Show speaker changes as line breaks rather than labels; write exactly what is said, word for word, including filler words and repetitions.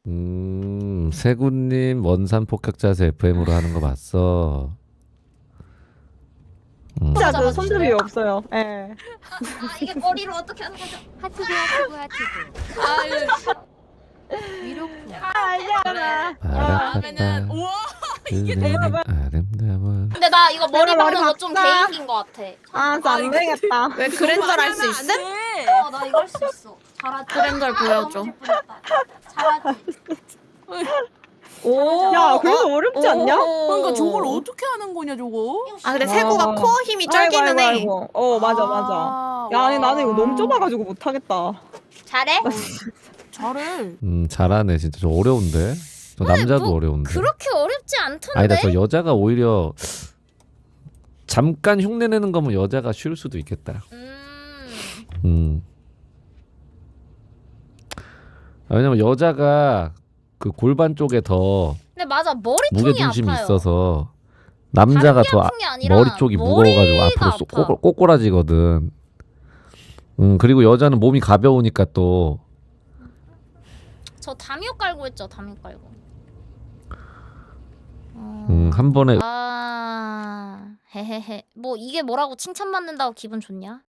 음, 세군님 원산 폭격자세 에프엠으로 하는 거 봤어. 음.
진짜
맞아,
그
맞아.
손잡이 없어요. 예.
아 이게 머리로 어떻게 하는 거죠?
하트도 하트도 하트도.
아유
위로프.
알잖아.
그러면은 우와 이게
그대는 아름다워.
근데 나 이거 머리
내가 머리
박는 거 좀
박자.
개인기인 거 같아.
아, 진짜 안 되겠다.
왜 그랜저를 할 수 있음?
어, 나 이거 할 수 있어. 잘하지.
그랜저를 보여줘.
너무 예쁘겠다. 잘하지.
오.
야, 그래도 어렵지 않냐?
그러니까 저걸 어떻게 하는 거냐 저거?
아 근데
와.
세구가 코어 힘이
아이고,
쩔기는
아이고,
해.
아이고. 어, 맞아, 맞아.
아,
야, 아니,
와.
나는 이거 너무 좁아가지고 못하겠다.
잘해?
잘해.
음, 잘하네. 진짜 저 어려운데. 저 남자도
뭐
어려운데.
그렇게 어렵지 않던데.
아니다, 저 여자가 오히려 잠깐 흉내내는 거면 여자가 쉬울 수도 있겠다.
음.
음. 아, 왜냐면 여자가 그 골반 쪽에 더
근데 맞아 머리통이
무게중심이
아파요.
있어서 남자가
다리
더 아,
아픈 게 아니라
머리 쪽이 무거워가지고
머리가
앞으로 쏙
아파.
꼬, 꼬꼬라지거든. 음, 그리고 여자는 몸이 가벼우니까 또
저 담요 깔고 했죠. 담요 깔고. 어...
음, 한 번에
아 헤헤헤. 뭐 이게 뭐라고 칭찬받는다고 기분 좋냐?